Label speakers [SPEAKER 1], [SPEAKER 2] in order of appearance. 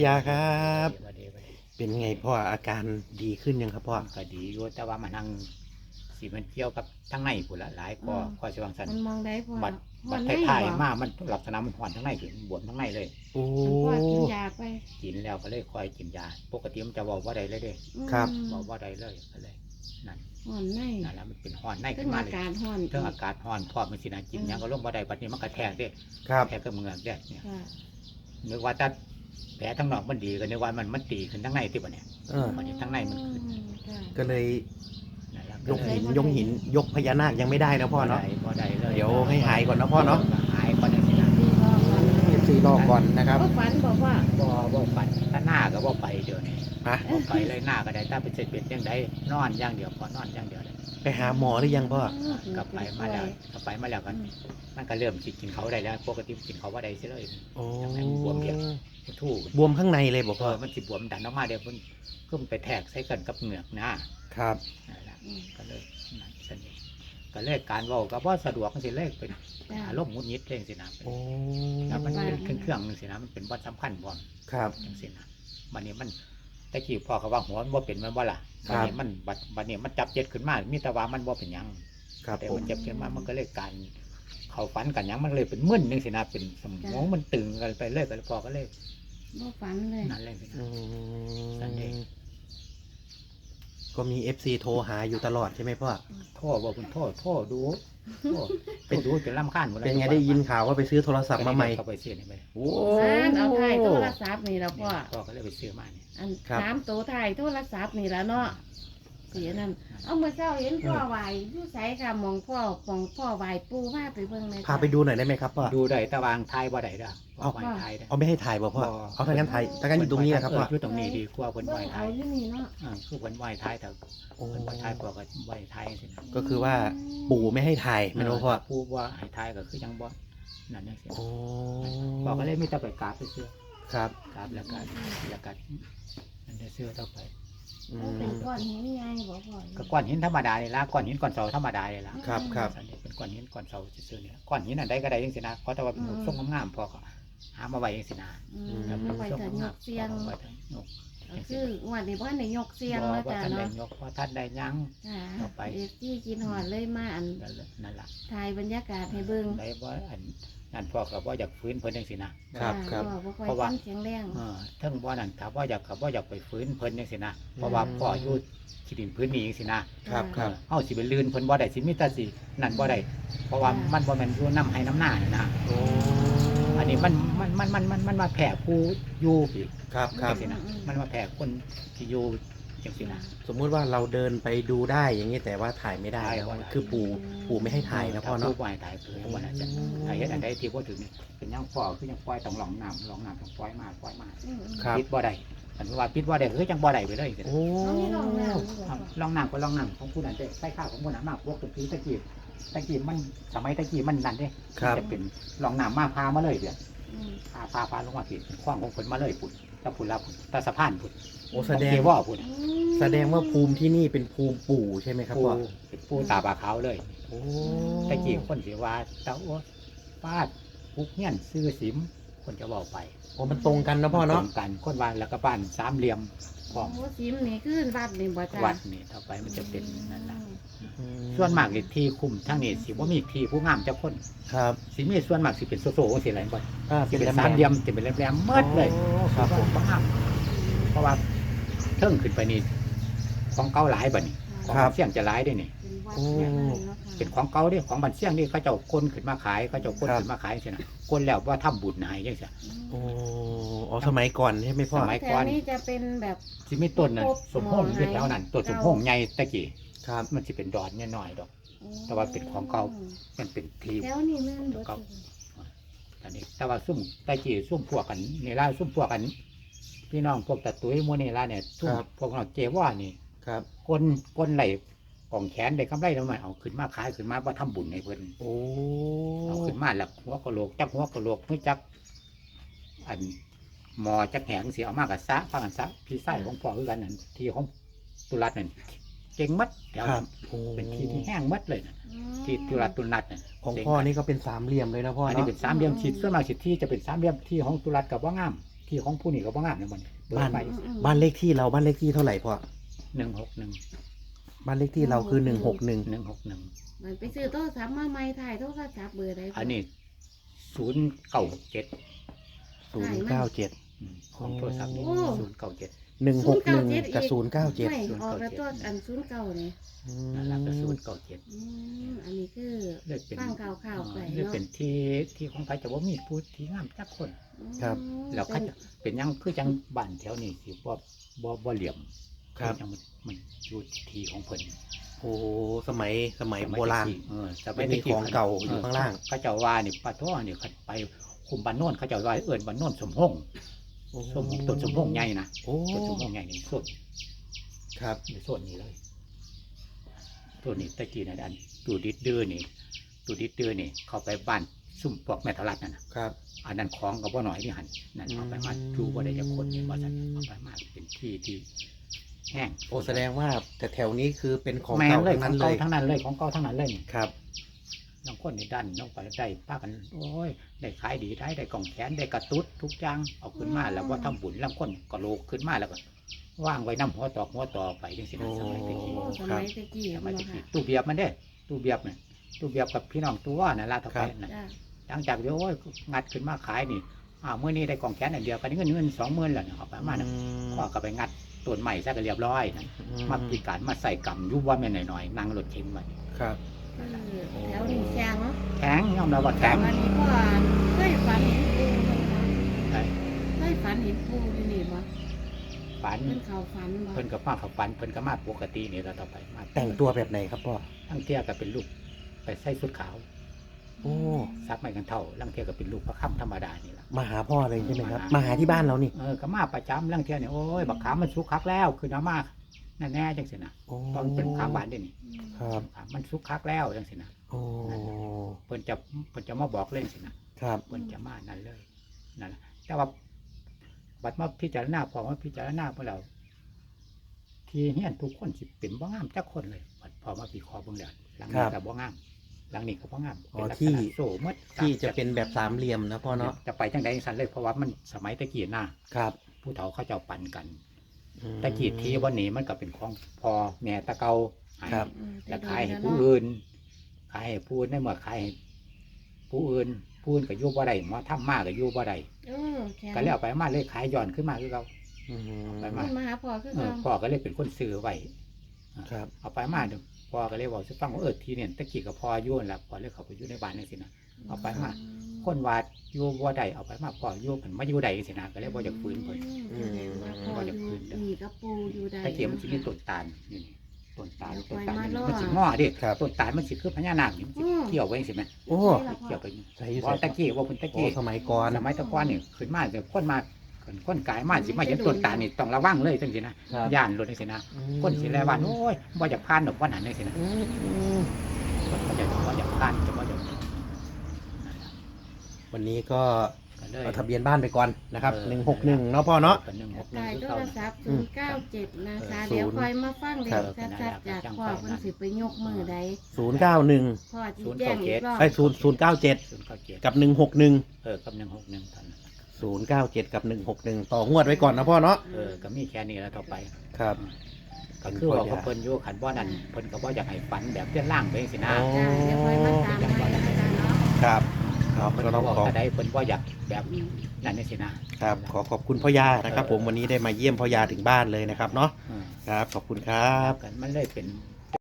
[SPEAKER 1] ยาครับ
[SPEAKER 2] ว่าดีว่าดี
[SPEAKER 1] เป็นไงพ่ออาการดีขึ้นยังครับพ่อ
[SPEAKER 2] มันก็ดีอยู่แต่ว่ามันนั่งสิมันเกี่ยวกับทั้งในผู้ละหลายก็สิวางสัน
[SPEAKER 3] มันมองได้พอ
[SPEAKER 2] บัด
[SPEAKER 3] มั
[SPEAKER 2] บัด
[SPEAKER 3] นไม่
[SPEAKER 2] ท้าย
[SPEAKER 3] บ่
[SPEAKER 2] ๆมามันลักษณะมันห่อนทั้งในถึงบวมทั้งในเลย
[SPEAKER 1] โอ้
[SPEAKER 3] พ่อกินยาไป
[SPEAKER 2] กินแล้วก็เลยคอยกินยาปกติมันจะบอกว่าใดเลยเด้
[SPEAKER 1] ครับ
[SPEAKER 2] บอกว่าใดเลยก็เลยนั่น
[SPEAKER 3] ห่อนใน
[SPEAKER 2] นั่นแหละมันเป็นห่อนใน
[SPEAKER 3] ขึ้
[SPEAKER 2] ขึ้
[SPEAKER 3] น
[SPEAKER 2] นมา
[SPEAKER 3] อา
[SPEAKER 2] เลย
[SPEAKER 3] กาศห่อน
[SPEAKER 2] เรื่องอากาศห่อนพอมันสินะกินหยังก็ลงบ่ได้บัดนี้มันกระแทกเด้
[SPEAKER 1] ครับ
[SPEAKER 2] แทกกับเมือกเด้เนี่ย
[SPEAKER 3] ค่ะ
[SPEAKER 2] นึกว่าถ้าแผลทั้งนอกมันดีก็นึกว่ามันตีขึ้นทั้งในที่บ่เนี่ย
[SPEAKER 1] เออ
[SPEAKER 2] มันทั้งในมันขึ้น
[SPEAKER 3] ค่ะ
[SPEAKER 1] ก็เลย
[SPEAKER 2] นั่นแหละ
[SPEAKER 1] ยกหินยกพญานาคยังไม่ได้นะพ่อเนาะ
[SPEAKER 2] บ่ได้เลย
[SPEAKER 1] เดี๋ยวให้หายก่อนนะพ่อเนาะ
[SPEAKER 2] หายก่อนจังซี่นะ
[SPEAKER 3] ดีรอก่อน
[SPEAKER 1] ซีรอก่อนนะครับ
[SPEAKER 3] ก็ฝันบอกว่า
[SPEAKER 2] บ่ปัดถ้าหน้าก็บ่ไปเดี๋ยวนี้
[SPEAKER 1] ฮะ
[SPEAKER 2] บ่ไปเลยหน้าก็ได้ถ้าเป็นเสร็จเป็นจังไดนอนอย่างเดียวพอนอนอย่างเดียวเลย
[SPEAKER 1] ไปหาหมอหรือยังพ่อ
[SPEAKER 2] กลับไปมาแล้วกันมันก็เริ่มสิกินเขาได้แล้วปกติกินเขาว่าได้ซิเลย
[SPEAKER 1] โอ้
[SPEAKER 2] บวมเยอะ ทู่
[SPEAKER 1] บวมข้างในเลยบอกพ่อ
[SPEAKER 2] มันสิบวมดันออกมาเดี๋ยวมันก็ไปแทกใส่กันกับเหงือกนะครับ นั่นแหละก็เลยนั่นสนิทก็เลยการเว้าก็บ่สะดวกจังซี่เลยเป็นอารมณ์หงุดหงิดจังซี่นะ
[SPEAKER 1] โอ้
[SPEAKER 2] แล้วมันเป็นเครื่องจังซี่นะมันเป็นบ่สำคัญบ่
[SPEAKER 1] ครับ
[SPEAKER 2] จังซี่นะบัดนี้มันตะกี้พ่อเขาว่าหัวมันบ่เป็นมันบ่ล่ะ
[SPEAKER 1] ครั
[SPEAKER 2] บัด
[SPEAKER 1] บ
[SPEAKER 2] นี้มันบัดนี้มันจับเจ็ดขึ้นมามีแต่ว่ามันบ่เป็นหยัง
[SPEAKER 1] ครับ
[SPEAKER 2] แต่
[SPEAKER 1] ผม
[SPEAKER 2] มันจับขึ้นมามันก็เลยการเขาฝันกันหยังมันเลยเป็นมึนจังซี่นะเป็นสมองมันตึงกันไปเลยก็เลยพ่อก็เลย
[SPEAKER 3] บ่ฝันเลย
[SPEAKER 2] นั่นเลยสินะ
[SPEAKER 1] อื
[SPEAKER 2] สันเด
[SPEAKER 1] ม
[SPEAKER 2] ย์
[SPEAKER 1] ก็มี FC โทรหาอยู่ตลอดใช่ไหมพ่อ
[SPEAKER 2] โทษบอกคุณโทษดูเป็นดูจนรำคาญหมดเลย
[SPEAKER 1] เป็นไงได้ยินข่าวว่าไปซื้อโทรศัพท์มาใหม่
[SPEAKER 2] เขาไปซื้อนี่ไป
[SPEAKER 1] โอ้
[SPEAKER 3] เอาถ่ายโทรศัพท์นี่แล้วพ่อ
[SPEAKER 2] พ่อก็เลยไปซื้อมาเนี่ย
[SPEAKER 3] อัน
[SPEAKER 1] ครับ
[SPEAKER 3] ถามตัวถ่ายโทรศัพท์นี่แล้วเนาะเสียนั่นเอาเมื่อเช้าเห็นพ่อไหวอยู่ไสค่ะมองพ่อไหวปูมาไปเบิ่งเลย
[SPEAKER 1] พาไปดูหน่อยได้ไหมครับพ่อ
[SPEAKER 2] ดูได้ตะวางไทยบ่ได้เด้อ
[SPEAKER 1] เอา
[SPEAKER 2] ไว้ไทยได้
[SPEAKER 1] เอาไม่ให้ถ่ายบ่พ่อ เอาถ้างั้นถ่ายถ้างั้นอยู่ตรงนี้นะครับพ่อ
[SPEAKER 2] อยู่ตรงนี้ดีกว่าเพิ่น
[SPEAKER 3] เบิ่
[SPEAKER 2] ไว้
[SPEAKER 3] ง
[SPEAKER 2] ไท
[SPEAKER 3] เอา
[SPEAKER 2] ย
[SPEAKER 3] อยู่นี่เนาะ
[SPEAKER 2] คือเพิ่นไว้ไทยแต่
[SPEAKER 1] โอ้
[SPEAKER 2] เพิ่นไว้ไทยพ่อก็ไว้ไทยสินะ
[SPEAKER 1] ก็คือว่าปู่ไม่ให้ถ่ายไม่รู้พ่อ
[SPEAKER 2] ผู้ว่าให้ไทยก็คือยังบ่นั่นจังซี่
[SPEAKER 1] โอ้
[SPEAKER 2] พ่อก็เลยมีแต่ไปกราบไปซื้อ
[SPEAKER 1] ครับ
[SPEAKER 2] กราบแล้วก็นั่นได้ซื้อต่อไป
[SPEAKER 1] อื
[SPEAKER 3] เอาเป็น
[SPEAKER 1] ม
[SPEAKER 3] ก้อนหินใหญ่บ่พ่อ
[SPEAKER 2] ก็ก้อนหินธรรมดาเลยละก้อนหินก้อนเสาธรรมดาเลยละ
[SPEAKER 1] ครับครับ
[SPEAKER 2] สันนี้เป็นก้อนหินก้อนเสาซื่อๆเนี่ยก้อนหินอันใดก็ได้ยังสินะเพราะแต่ว่าเป็นทรงงามๆพอก็หามาไว้ยังสินะ
[SPEAKER 3] เอาไว้แต่ยกเสียง
[SPEAKER 2] ไว้แต่ยก
[SPEAKER 3] ก็คืองวดนี้บ่ได้ยกเสียง
[SPEAKER 2] บ่
[SPEAKER 3] แล้ว
[SPEAKER 2] ว่า
[SPEAKER 3] จ้ะ
[SPEAKER 2] ท่านได้
[SPEAKER 3] เนาะ
[SPEAKER 2] ยกว่าท่านได้ยั้ง
[SPEAKER 3] ค่ะ
[SPEAKER 2] ต่อไป
[SPEAKER 3] เด็กที่กินหอดเลยมาอัน
[SPEAKER 2] นั่นล่ะ
[SPEAKER 3] ถ่ายบรรยากาศให้เบิ่ง
[SPEAKER 2] ได้ว่าอันนั่นพ่อก็บ่อยากฟื้นเพิ่นจังสินะครับ
[SPEAKER 1] ครับ
[SPEAKER 3] พ่อบ่ค่อย
[SPEAKER 2] เพราะว่า
[SPEAKER 3] ฟังเสียงแรง
[SPEAKER 2] เทิงบ่นั่นถ้าบ่อยากไปฟื้นเพิ่นจังสินะเพราะว่าพ่ออยู่ที่ดินพื้นนี้จังสินะครับ
[SPEAKER 1] ครับ
[SPEAKER 2] เฮาสิไปลื่นเพิ่นบ่ได้สิมีแต่สินั่นบ่ได้เพราะว่ามันบ่แม่นอยู่น้ำให้น้ำหน้านี่นะ
[SPEAKER 1] โอ้
[SPEAKER 2] อันนี้มันมาแผ่ผู้อยู่พี่
[SPEAKER 1] ครับครับ
[SPEAKER 2] จังสินะมันมาแผ่คนที่อยู่จังสินะ
[SPEAKER 1] สมมุติว่าเราเดินไปดูได้อย่างนี้แต่ว่าถ่ายไม่ได้
[SPEAKER 2] ถ่าย
[SPEAKER 1] นะ
[SPEAKER 2] บ่ได้
[SPEAKER 1] คือปู่ไม่ให้ถ่ายนะพ่อ
[SPEAKER 2] ถ้
[SPEAKER 1] เนาะ
[SPEAKER 2] ผู้ปล่อยถ่ายคือวันนั้นจะถ้าเฮ็ดอันใดที่บ่ถึงนี่เป็นยังพ่อคือยังปล่อยต้องหลองน้ำต้องปล่อยมา
[SPEAKER 1] ครับ
[SPEAKER 2] ปิดบ่ได้อันว่าปิดบ่ได้คือจังบ่ได้ไปเลยจัง
[SPEAKER 1] โอ้
[SPEAKER 3] เขาไม่ลองน้ำบ่
[SPEAKER 2] ลองน้ำก็ลองน้ำของผู้นั้นเด้ใส่ข้าวของผู้นั้นมากพวกตะกี้มันสมัยตะกี้มันนั่นเด้
[SPEAKER 1] ครับ
[SPEAKER 2] จะเป็นลองน้ำมาพามาเลยเด้อ
[SPEAKER 3] อืม
[SPEAKER 2] พาลงมาผิดคว้างของฝนมาเลยพุ่นถ้าพุ่นรับตาสะพานพุ่น
[SPEAKER 1] โอ้แสดง
[SPEAKER 2] เกว่าพุ่น
[SPEAKER 1] แสดงว่าภูมิที่นี่เป็นภูมิปู่ใช่ไหมครับ
[SPEAKER 2] ปู
[SPEAKER 1] พ่อ
[SPEAKER 2] เป็นปูตาบาขาวเลย
[SPEAKER 1] โอ้
[SPEAKER 2] ตะกี้คนสิว่าตาอ้วฟาดปุกเงี้ยนซื้อสิมคนจะบอกไป
[SPEAKER 1] โอ้มันตรงกันนะพ่อเนาะ
[SPEAKER 2] ตรงกันคนวานแล้วก็บ้านสามเหลี่ยมของ
[SPEAKER 3] โอ้ซิมนี่คือวัดนี่บ่จ้ะ
[SPEAKER 2] วัดนี่ต่อไปมันจะเป็นนั่นแหละ
[SPEAKER 1] อื
[SPEAKER 2] ส่วนมากเลยที่คุมทั้งนี้สิว่ามีที่ผู้งามเจ้าคน
[SPEAKER 1] ครับ
[SPEAKER 2] สิมีส่วนมากสิเป็นโซโซ่สิอะไรบ่
[SPEAKER 1] เป็
[SPEAKER 2] สิ
[SPEAKER 1] น
[SPEAKER 2] เป็น
[SPEAKER 1] แหล
[SPEAKER 2] สาม
[SPEAKER 1] ม
[SPEAKER 2] เหลี่ยมสิเป็นแหลมๆเมิดเลย
[SPEAKER 1] โอ้ครับผม
[SPEAKER 2] บ่งามเพราะว่าเทิงขึ้นไปนี่ของเก่าหลายบัดนี้ของ
[SPEAKER 1] ครับ
[SPEAKER 2] เสี่ยงจะหลายได้นี่
[SPEAKER 3] เป็นวัดใหญ่เลยเนาะค่ะ
[SPEAKER 2] เป็นของเก่าเด้ของบันเสี่ยงนี่เขาเจ้าคนขึ้นมาขายเขาเจ้าคน
[SPEAKER 1] ครับ
[SPEAKER 2] ขึ้นมาขายจังซี่นะคนแล้วว่าทำบุญให้จังซี่
[SPEAKER 1] โอ้อ๋อสมัยก่อนใช่ไหมพ่อ
[SPEAKER 2] สมัย
[SPEAKER 3] แต่อันนี้จะเป็นแบบ
[SPEAKER 2] สิมีต้นนั่นสมพงษ์อยู่แถวนั้นต้นสมพงษ์ใหญ่ตะกี้
[SPEAKER 1] ครับ
[SPEAKER 2] มันสิเป็นดอนน้อยๆดอก แต่ว่าเป็นของเก่า มันเป็นที
[SPEAKER 3] แล้วนี่แม่นบ่จ้ะ
[SPEAKER 2] อันนี้แต่ว่าซุ่มตะกี้ซุ่มพวกกันนี่ล่ะซุ่มพวกกัน พี่น้องพวกตะตุ้ยหมู่นี่ล่ะเนี่ยซุ่มพวกเราเจว่านี่
[SPEAKER 1] ครับ
[SPEAKER 2] คนไหลกล่องแขนได้กำไรแล้วมันเอาขึ้นมาขายขึ้นมาว่าทำบุญให้เพิ่น
[SPEAKER 1] โอ้
[SPEAKER 2] เอาขึ้นมาแล้วหัวกะโหลกจักหัวกะโหลกเพื่อจักอันหมอจักแหงเสียเอามากกับซะฟังกันซะพี่ไส้ของพ่อคือกันนั่นที่ของตุลัดนั่นเก่งมัดแถว
[SPEAKER 1] ครั
[SPEAKER 2] นั้
[SPEAKER 1] บ
[SPEAKER 2] น
[SPEAKER 1] โอ้
[SPEAKER 2] เป็นที่ที่แห้งมัดเลยนะที่ตุลัดตุลัดน่ะ
[SPEAKER 1] ของพ่อนี่ก็เป็นสามเหลี่ยมเลยนะพ่อ
[SPEAKER 2] อันนี้
[SPEAKER 1] เนาะ
[SPEAKER 2] เป็นสามเหลี่ยมฉีดส่วนมากฉีดที่จะเป็นสามเหลี่ยมที่ของตุลัดกับว่างามที่ของผู้นี่ก็บ่งามเนี่ยมันเปิด
[SPEAKER 1] บ้าน
[SPEAKER 2] ไป
[SPEAKER 1] บ้านเลขที่เราบ้านเลขที่เท่าไหร่พ่อ
[SPEAKER 2] 161
[SPEAKER 1] บ้านเลขที่เราคือ161
[SPEAKER 2] 161
[SPEAKER 3] มันไปซื้อโทรศัพท์มาใหม่ถ่ายโทรศัพท์เบอร์ใด
[SPEAKER 2] อันนี้097
[SPEAKER 1] 097
[SPEAKER 2] ของโทรศัพท์นี่097
[SPEAKER 1] 161กับ097
[SPEAKER 3] ไม่ออกแล้วตัวอัน09นี่
[SPEAKER 2] นั่นล่ะก็097
[SPEAKER 3] อันนี้คือ
[SPEAKER 2] เลยเป็น
[SPEAKER 3] ฟังข่าวๆไป
[SPEAKER 2] เลย
[SPEAKER 3] เนาะ
[SPEAKER 2] เป็นที่ของใครจะบ่มีผู้ที่งามจักคน
[SPEAKER 1] ครับ
[SPEAKER 2] แล้วเขาจะเป็นหยังคือจังบ้านแถวนี้สิบ่เหลี่ยม
[SPEAKER 1] ครับ
[SPEAKER 2] จังมันอยู่ที่ของเพิ่น
[SPEAKER 1] โอ้สมัยโบราณ
[SPEAKER 2] สมัย
[SPEAKER 1] มีของเก่าอยู่ข้างล่าง
[SPEAKER 2] เขาเจ้าว่านี่ปะท้อนี่เขาไปคุมบ้านโน่นเขาเจ้าว่าเอิ้นบ้านโน่นสมพงษ์ต้นสมพงษ์ใหญ่นะ
[SPEAKER 1] โอ้
[SPEAKER 2] ต้นสมพงษ์ใหญ่นี่ส่วน
[SPEAKER 1] ครับ
[SPEAKER 2] อยู่ส่วนนี้เลยตัวนี้ตะกี้นั่นอันตูดิดดื้อนี่เข้าไปบ้านซุ่มพวกแม่ทรัดนั่นน่ะ
[SPEAKER 1] ครับ
[SPEAKER 2] อันนั้นของก็บ่น้อยนี่หั่นนั่นเอาไปมาดูบ่ได้จักคนนี่ว่าซั่นเอาไปมาเป็นที่แห้ง
[SPEAKER 1] โอ้แสดงว่าแต่แถวนี้คือเป็นของ
[SPEAKER 2] แม่
[SPEAKER 1] เก่าน
[SPEAKER 2] เลย
[SPEAKER 1] ทั้ง
[SPEAKER 2] ขอ
[SPEAKER 1] นั้
[SPEAKER 2] ง
[SPEAKER 1] นเลย
[SPEAKER 2] เก่าทั้งนั้นเลยของเก่าทั้งนั้นเลยนี่
[SPEAKER 1] ครับ
[SPEAKER 2] น้องคนนี่ดันน้องไปได้ป้ากันโอ้ยได้ขายดีได้กล่องแขนได้กระตุ้ดทุกอย่างเอาขึ้นมาแล้วว่าทำบุญลำคนก็โลกขึ้นมาแล้วก็ว่างไว้น้ำหัวต่อไปจังสินะสมัยตะกี้
[SPEAKER 3] โอ้สมัยตะกี้
[SPEAKER 2] สมัย
[SPEAKER 3] เนาะ
[SPEAKER 2] ตะกี้
[SPEAKER 3] ค่ะ
[SPEAKER 2] ตู้เบียบมันเด้ตู้เบียบเนี่ยตู้เบียบกับพี่น้องตัวน่ะลาดต่อไปน่ะ
[SPEAKER 3] จ้า
[SPEAKER 2] หลังจากเดี๋ยวโอ้ยงัดขึ้นมาขายนี่เมื่อนี้ได้กล่องแขนอันเดียวกันเงิน20,000แล้วเนี่ยเอาไปมานะพ่อก็ไปงัดต้นใหม่ซะก็เรียบร้อยนะมาพิการมาใส่กำยุบว่าแม่นหน่อยๆนั่งรถเข็นมา
[SPEAKER 1] ครับ
[SPEAKER 3] คือแถวนี้แข็งเนาะ
[SPEAKER 2] แข็งยอมรับว่าแข็ง
[SPEAKER 3] วันนี้พ่อเคยฝันเห็นปูไหมคะ
[SPEAKER 2] ไอ้
[SPEAKER 3] เคยฝันเห็นปูอยู่นี่บ่
[SPEAKER 2] ฝัน
[SPEAKER 3] เพิ่นเขาฝันบ่
[SPEAKER 2] เพิ่นก็มาเขาฝันเพิ่นก็มาปกตินี่แล้วต่อไปมา
[SPEAKER 1] แต่งตัวแบบไหนครับพ่อ
[SPEAKER 2] ลังเทียก็เป็นลูกไปใส่ชุดขาว
[SPEAKER 1] โอ้
[SPEAKER 2] ซักไม่กันเท่าลังเทียก็เป็นลูกพระค่ำธรรมดานี่ล่ะ
[SPEAKER 1] มาหาพ่อเลยใช่ไหมครับ มาหาที่บ้านเรานี่
[SPEAKER 2] ก็มาประจำลังเทียเนี่ยโอ้ยบักขามมันสุกคักแล้วคือน้ำมากนั่นแน่จังสินะ
[SPEAKER 1] โอ้
[SPEAKER 2] ตอนเป็นขามหวานเด้นี่
[SPEAKER 1] ครับ
[SPEAKER 2] ขามมันสุกคักแล้วจังสินะ
[SPEAKER 1] โอ้
[SPEAKER 2] เพิ่นจะมาบอกเล่นสินะครับ เพิ่นจะมานั่นเลยนั่นแหละแต่ว่าบัดมาพิจารณาพอมาพิจารณาเมื่อเราที่เฮียนทุกคนสิเป็นบ่งามจักคนเลยบัดพอมาปีคอเบิ่งแล้วหลังนี้ก็บ่งามหลังนี้ก็บ่งามเป็นลักษณะโซ่หมด
[SPEAKER 1] ที่จะเป็นแบบสามเหลี่ยมนะพ่อเนาะ
[SPEAKER 2] จะไปจังใดสันเลยเพราะว่ามันสมัยตะกี้น่ะ
[SPEAKER 1] ครับ
[SPEAKER 2] ผู้เฒ่าเขาเจ้าปั่นกัน
[SPEAKER 1] อืม
[SPEAKER 2] ตะกี้ที่วันนี้มันก็เป็นของพ่อแม่ตะเกาให้
[SPEAKER 1] ครับ
[SPEAKER 2] แล้วขายให้ผู้อื่นขายให้ผู้อื่นได้เมื่อขายให้ผู้อื่นก็อยู่บ่ได้หมอทำมากก็อยู่บ่ได้
[SPEAKER 3] แข็ง
[SPEAKER 2] ก็แล้วไปมาเลยขายย้อนขึ้นมาคือเขา
[SPEAKER 1] อืม
[SPEAKER 2] ไป
[SPEAKER 3] มันมาหาพ่อคือ
[SPEAKER 2] เออ
[SPEAKER 3] เขา
[SPEAKER 2] พ่อก็เลยเป็นคนซื้อไว้
[SPEAKER 1] ครับ
[SPEAKER 2] เอาไปมาเดี๋ยวพ่อก็เลยบอกสิฟังว่าทีเนี่ยตะกี้กับพ่ออยู่นั่นล่ะพ่อเลยเขาไปอยู่ในบ้านนี่สินะ เอาไปมา คนว่าอยู่บ่ได้เอาไปมาพ่ออยู่เพิ่นมาอยู่ใดสินะก็เลยบ่อยากฟื้นเพิ่น
[SPEAKER 3] แสดงว่าพ่ออยู่นี่กับปูอยู่ใด
[SPEAKER 2] ตะเกียบมันสิมีต้นตาลนี่ต้นตาล
[SPEAKER 3] เดี๋ยว
[SPEAKER 2] ต้น
[SPEAKER 3] ปล่อย
[SPEAKER 2] ตาล
[SPEAKER 3] มา
[SPEAKER 2] นี่
[SPEAKER 3] ล่อ
[SPEAKER 2] มันสิงอดิ
[SPEAKER 1] ครับ
[SPEAKER 2] ต้นตาลมันสิคือพญานาคนี่มันสิเกี่ยวไว้สิแม่
[SPEAKER 1] โอ้
[SPEAKER 2] เกี่ยวไปนี่
[SPEAKER 1] ใส่อยู่
[SPEAKER 2] บ่
[SPEAKER 1] ใส่
[SPEAKER 2] ตะกี้ว่าเพิ่นตะ
[SPEAKER 1] โอ้
[SPEAKER 2] กี้
[SPEAKER 1] สมัยก่อน
[SPEAKER 2] สมัยตะก่อนนี่ขึ้นมาเดี๋ยวคนกายมาสิมาเห็นต้นตาลนี่ต้องระวังเลยจังซี่นะครับ ย่านรถจังซี่นะคนสิแลว่าโอ้ยบ่อยากผ่านดอกว่านั้นจังซี่นะ
[SPEAKER 1] อืม
[SPEAKER 2] คนก็จะบ่อยากผ่านจะบ่อยาก
[SPEAKER 1] วันนี้ก็
[SPEAKER 2] ก็เลย
[SPEAKER 1] เอาทะเบียนบ้านไปก่อนนะครับ161เนาะพ่อเนาะ
[SPEAKER 2] ก็161
[SPEAKER 3] ตาย
[SPEAKER 2] คือ
[SPEAKER 3] โท
[SPEAKER 2] เขา
[SPEAKER 3] รศัพท์097นะคะ
[SPEAKER 1] เออ
[SPEAKER 3] เดี๋ยวคอยมาฟังเด็
[SPEAKER 1] ครั
[SPEAKER 3] ก
[SPEAKER 1] บ
[SPEAKER 3] ชัดๆจากพ่อเพิ่นสิไปยกมือใด
[SPEAKER 1] 091
[SPEAKER 3] พ่อที่แจ้งอีกรอบ
[SPEAKER 1] ไอ้097
[SPEAKER 2] 097
[SPEAKER 1] กับ161
[SPEAKER 2] กับ161ทัน
[SPEAKER 1] 097กับ161ต่องวดไว้ก่อนนะพ่อเนาะ
[SPEAKER 2] ก็มีแค่นี้แล้วต่อไป
[SPEAKER 1] ครับ
[SPEAKER 2] ก็คือว่าเขาเพิ่นอยู่ขันบ่นั่นเพิ่นก็บ่อยากให้ฝันแบบเลี่ยนล่างไปจังซี่นะ
[SPEAKER 1] โอ้
[SPEAKER 3] จ้าเดี๋ยวคอยมาตามให้นะคะเนาะ
[SPEAKER 1] ครับครับ
[SPEAKER 2] เพิ่น
[SPEAKER 1] ก็
[SPEAKER 2] ก็
[SPEAKER 1] ต้อง
[SPEAKER 2] บอก
[SPEAKER 1] ขอ
[SPEAKER 2] ก็ได้เพิ่นบ่อยากแบบนั่นจังซี่นะครับ
[SPEAKER 1] ขอบคุณพ่อยานะครับ ผมวันนี้ได้มาเยี่ยมพ่อยาถึงบ้านเลยนะครับเนาะ
[SPEAKER 2] อืม
[SPEAKER 1] ครับขอบคุณครับ
[SPEAKER 2] กันมันเลยเป็น